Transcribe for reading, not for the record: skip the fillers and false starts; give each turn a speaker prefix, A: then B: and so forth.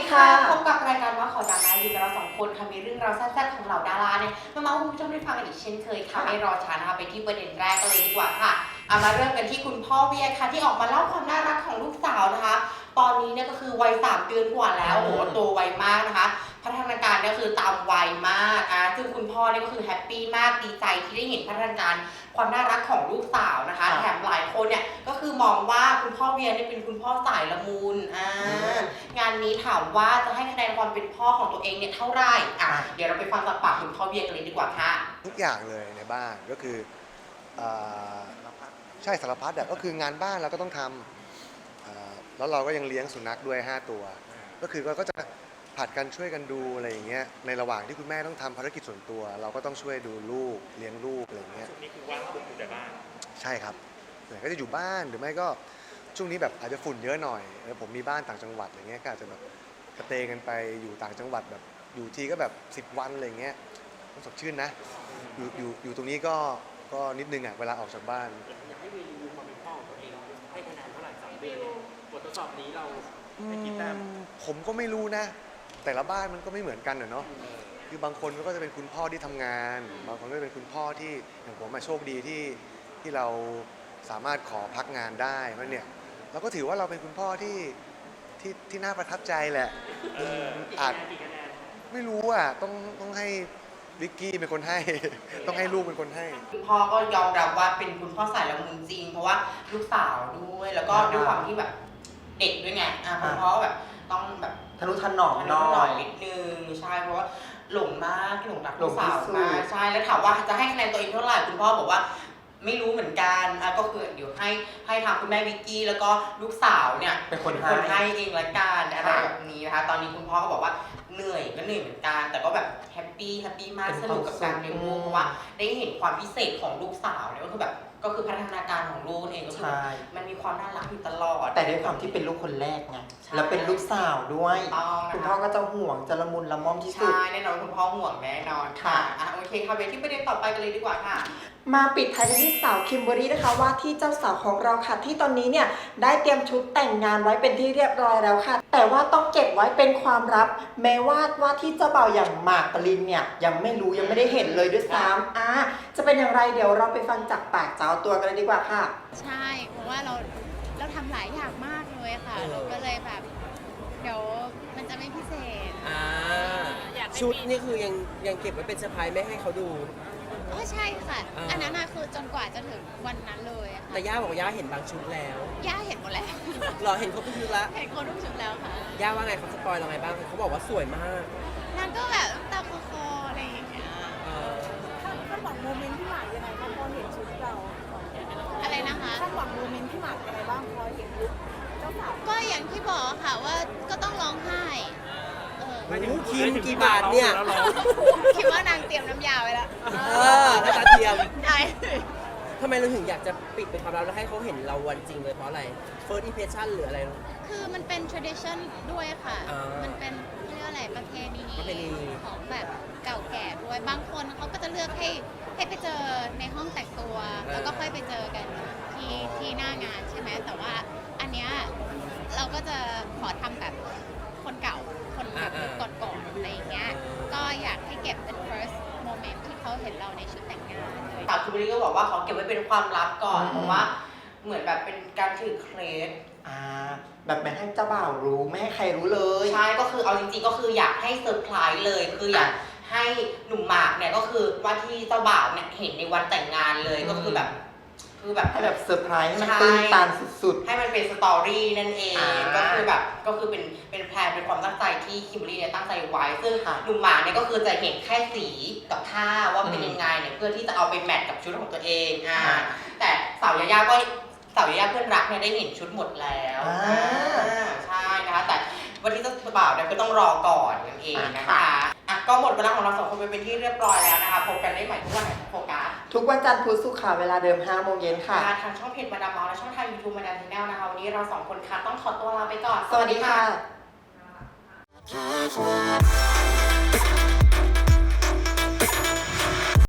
A: ค่ะพบกับรายการว่าขอดาราอยู่กับเราสองคนค่ะมีเรื่องราวแซ่บๆของเหล่าดาราเนี่ยมาเมาให้คุณผู้ชมได้ฟังกันอีกเช่นเคยค่ะไม่รอช้านะคะไปที่ประเด็นแรกกันเลยดีกว่าค่ะมาเริ่มกันที่คุณพ่อเวียค่ะที่ออกมาเล่าความน่ารักของลูกสาวนะคะตอนนี้เนี่ยก็คือวัย3 เดือนกว่าแล้วโอ้โหโตไวมากนะคะพัฒนาการเนี่ยคือตามวัยมากซึ่งคุณพ่อเนี่ยก็คือแฮปปี้มากดีใจที่ได้เห็นพัฒนาการความน่ารักของลูกสาวนะคะแถมหลายคนเนี่ยก็คือมองว่าคุณพ่อเวียเนี่ยเป็นคุณพ่อสายละมุนงานนี้ถามว่าจะให้คะแนนความเป็นพ่อของตัวเองเนี่ยเท่าไหร่เดี๋ยวเราไปฟังจากปากคุณพ่อเวียกันเลยดีกว่าค่ะ
B: ทุกอย่างเลยในบ้านก็คือใช่สารพัดก็คืองานบ้านเราก็ต้องทำแล้วเราก็ยังเลี้ยงสุนัขด้วย5 ตัวก็คือก็จะผัดกันช่วยกันดูอะไรอย่างเงี้ยในระหว่างที่คุณแม่ต้องทำภารกิจส่วนตัวเราก็ต้องช่วยดูลูกเลี้ยงลูกอะไรอย่างเงี้ย
C: ช่วงนี้คือว่างปุ๊บอยู่แต่บ้าน
B: ใช่ครับส่วนใหญ่ก็จะอยู่บ้านหรือไม่ก็ช่วงนี้แบบอาจจะฝุ่นเยอะหน่อยผมมีบ้านต่างจังหวัดอะไรเงี้ยก็อาจจะแบบกระเตงกันไปอยู่ต่างจังหวัดแบบอยู่ทีก็แบบ10 วันอะไรเงี้ยต้องสดชื่นนะอยู่ตรงนี้ก็นิดนึงเวลาออกจากบ้าน
C: อยากให้รีวิวความเป็นพ่อของตัวเองให้คะแนนเท่าไหร่3 เดือนบททดสอบนี้เราให้กี่แต้ม
B: ผมก็ไม่รู้นะแต่ละบ้านมันก็ไม่เหมือนกันเนาะคือบางคนก็จะเป็นคุณพ่อที่ทำงานบางคนก็เป็นคุณพ่อที่อย่างผมโชคดีที่เราสามารถขอพักงานได้เพราะเนี่ยเราก็ถือว่าเราเป็นคุณพ่อที่น่าประทับใจแหละอาจไม่รู้ต้องให้วิกกี้เป็นคนให้ต้องให้ลูกเป็นคนให้
A: คุณพ่อก็ยอมรับว่าเป็นคุณพ่อสายละมุนจริงเพราะว่าลูกสาวด้วยแล้วก็ด้วยความที่แบบเด็กด้วยไงคุณพ่อแบบต้องแบบ
D: ทะนุถนอมน้อย
A: นิดนึงใช่เพราะว่าหลงมากหลงรักลูกสาวมากใช่แล้วถามว่าจะให้คะแนนตัวเองเท่าไหร่คุณพ่อบอกว่าไม่รู้เหมือนกันก็คือเดี๋ยวให้ทางคุณแม่วิกกี้แล้วก็ลูกสาวเนี่ย
D: เป็นคน
A: ให้เองละกันอะไรแบบนี้นะคะตอนนี้คุณพ่อก็บอกว่าเหนื่อยก็เหนื่อยเหมือนกันแต่ก็แบบแฮปปี้มากสนุกกับการเลี้ยงลูกเพราะว่าได้เห็นความพิเศษของลูกสาวเนี่ยก็คือแบบก็คือพัฒนาการของลูกเองก็คือมันมีความน่ารักอยู่ตลอด
D: แต่ด้วยความที่เป็นลูกคนแรกไงแล้วเป็นลูกสาวด้วยคุณพ่อก็จะห่วงจะละมุนละม่อมที่สุด
A: ใช่แน่นอนคุณพ่อห่วงแน่นอนค่ะโอเคค่ะไปที่ประเด็นต่อไปกันเลยดีกว่าค่ะ
E: มาปิดท้ายกันที่สาวคิมเบอรรี่นะคะว่าที่เจ้าสาวของเราค่ะที่ตอนนี้เนี่ยได้เตรียมชุดแต่งงานไว้เป็นที่เรียบร้อยแล้วค่ะแต่ว่าต้องเก็บไว้เป็นความลับแม้ว่าที่เจ้าบ่าวอย่างหมากปรินเนี่ยยังไม่รู้ยังไม่ได้เห็นเลยด้วยซ้ำจะเป็นอย่างไรเดี๋ยวเราไปฟังจากปากเจ้าตัวกันเลยดีกว่าค่ะ
F: ใช่เพราะว่าเราทำหลายอย่างมากเลยค่ะเราก็เลยแบบเดี๋ยวมันจะไม่พิเศษ
G: ชุดนี่คือยังเก็บไว้เป็นเซอร์ไพรส์ไม่ให้เขาดู
F: ใช่ค่ะอันนั้นคือจนกว่าจะถึงวันนั้นเลยค่ะ
G: แต่ย่าบอกย่าเห็นบางชุดแล้ว
F: ย่าเห็นหมดแล้ว
G: หรอเห็นครบทุกชุดแล้ว
F: เห็นครบทุกชุดแล้วค่ะ
G: ย่าว่าไงเขาสปอยเราไงบ้างเขาบอกว่าสวยมาก
F: นางก็แบบตาคออะไรอย่างเงี้ย
H: คาดหวังโมเมนต์ที่หมากยังไงบ้างพอเห็นชุดเรา
F: อะไรนะคะ
H: คาดหวังโมเมนต์ที่หมากยังไงบ้างพอเห็นลุคเจ้าสาว
F: ก็อย่างที่บอกค่ะว่าก็ต้องร้องไห้
G: คิมกี่บาทเนี่ย
F: คิดว่านางเตรียมน้ำยาไว้แล้ว
G: น้ำตาเทียม
F: ใช่
G: ทำไมเราถึงอยากจะปิดเป็นความลับแล้วให้เขาเห็นเราวันจริงเลยเพราะอะไร first impression หรืออะไร
F: คือมันเป็น tradition ด้วยค่ะมันเป็นเรียกอะไรประเพณีของแบบเก่าแก่ด้วยบางคนเขาก็จะเลือกให้ไปเจอในห้องแต่งตัวแล้วก็ค่อยไปเจอกันที่หน้างานใช่ไหมแต่ว่าอันเนี้ยเราก็จะขอทำแบบคนเก่าคนแบบก่อนๆอะไรอย่างเงี้ยก็อยากให้เก็บเป็น first moment ที่เขาเห็นเราในชุดแต่งงาน
A: สาวคิมเบอรรี่ก็บอกว่าเขาเก็บไว้เป็นความลับก่อนเพราะว่าเหมือนแบบเป็นการถือเคล็ด
D: แบบไม่ให้เจ้าบ่าวรู้ไม่ให้ใครรู้เลย
A: ใช่ก็คือเอาจริงๆก็คืออยากให้เซอร์ไพรส์เลยคืออยากให้หนุ่มหมากเนี่ยก็คือว่าที่เจ้าบ่าวเนี่ยเห็นในวันแต่งงานเลยก็คือแบบ
D: ให้แบบเซอร์ไพรส์ให้มันตื่นตาสุด
A: ๆให้มันเป็นสตอรี่นั่นเองก็คือแบบก็คือเป็นแพลนเป็นความตั้งใจที่คิมเบอรรี่เนี่ยตั้งใจไว้ซึ่งหนุ่มหมากเนี่ยก็คือจะเห็นแค่สีกับท่าว่าเป็นยังไงเนี่ยเพื่อที่จะเอาไปแมทกับชุดของตัวเองแต่สาวยาย่าเพื่อนรักเนี่ยได้เห็นชุดหมดแล้วใช่นะคะแต่วันที่เจ้าบ่าวเนี่ยก็ต้องรอก่อนนั่นเองนะคะก็หมดเวลาของเรา2 คนไปเป็นที่เรียบร้อยแล้วนะคะพบกันได้ใหม่ทุกวันไหนโฟกัส
D: ทุกวันจันทร์พุธศุกร์ค่ะเวลาเดิม 5 โมงเย็นค่ะ
A: ทางช่องเพจมาดามเมาและช่องทาง YouTube มาดามชาแนลนะคะวันนี้เรา2 คนค่ะต้องขอตัวลาไปก่อน
D: สวัสดีค่ะ